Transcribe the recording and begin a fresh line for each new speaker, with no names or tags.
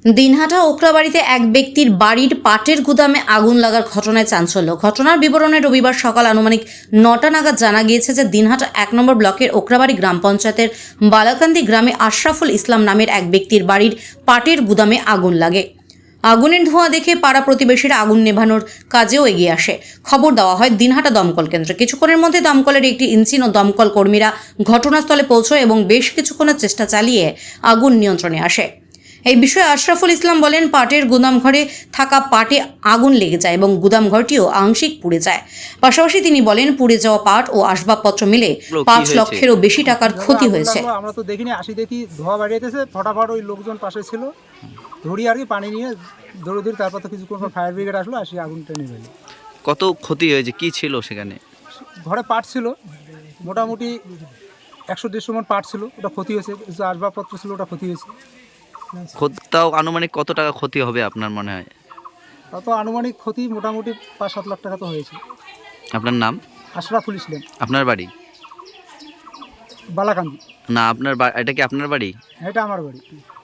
দিনহাটা ওকরাবাড়িতে এক ব্যক্তির বাড়ির পাটের গুদামে আগুন লাগার ঘটনায় চাঞ্চল্য। ঘটনার বিবরণে রবিবার সকাল আনুমানিক 9টা নাগাদ জানা গিয়েছে যে দিনহাটা 1 নম্বর ব্লকের ওকরাবাড়ি গ্রাম পঞ্চায়েতের বালাকান্দি গ্রামে আশরাফুল ইসলাম নামের এক ব্যক্তির বাড়ির পাটের গুদামে আগুন লাগে। আগুনের ধোঁয়া দেখে পাড়া প্রতিবেশীরা আগুন নেভানোর কাজেও এগিয়ে আসে। খবর দেওয়া হয় দিনহাটা দমকল কেন্দ্রে। কিছুক্ষণের মধ্যে দমকলের একটি ইঞ্জিন ও দমকল কর্মীরা ঘটনাস্থলে পৌঁছয় এবং বেশ কিছুক্ষণের চেষ্টা চালিয়ে আগুন নিয়ন্ত্রণে আসে। এই বিষয়ে আশরাফুল ইসলাম বলেন, পাটের গুদাম ঘরে থাকা পাটে আগুন লেগে যায় এবং গুদাম ঘরটিও আংশিক পুড়ে যায়। পাশাপাশি তিনি বলেন, পুড়ে যাওয়া পাট ও আসবাবপত্র মিলে 5 লক্ষেরও বেশি টাকার ক্ষতি হয়েছে।
আমরা তো দেখিনি, আসি দেখি ধোঁয়া বাড়িয়েছে, ফটাফট ওই লোকজন পাশে ছিল, ধরি আর কি পানি নিয়ে দৌড়ে তারপর তো কিছুক্ষণ পর ফায়ার ব্রিগেড আসলো, আসি আগুনটা নিভে গেল।
কত ক্ষতি হয়েছে, কি ছিল সেখানে?
ঘরে পাট ছিল মোটামুটি 100-150 মণ পাট ছিল, ওটা ক্ষতি হয়েছে। কিছু আসবাবপত্র ছিল, ওটা ক্ষতি হয়েছে।
তাও আনুমানিক কত টাকা ক্ষতি হবে আপনার মনে হয়?
তত আনুমানিক ক্ষতি মোটামুটি 5-7 লাখ টাকা তো হয়েছে।
আপনার নাম?
আশরাফুল ইসলাম।
আপনার বাড়ি?
বালাকান্দি।
না, আপনার এটা কি আপনার বাড়ি?
এটা আমার বাড়ি।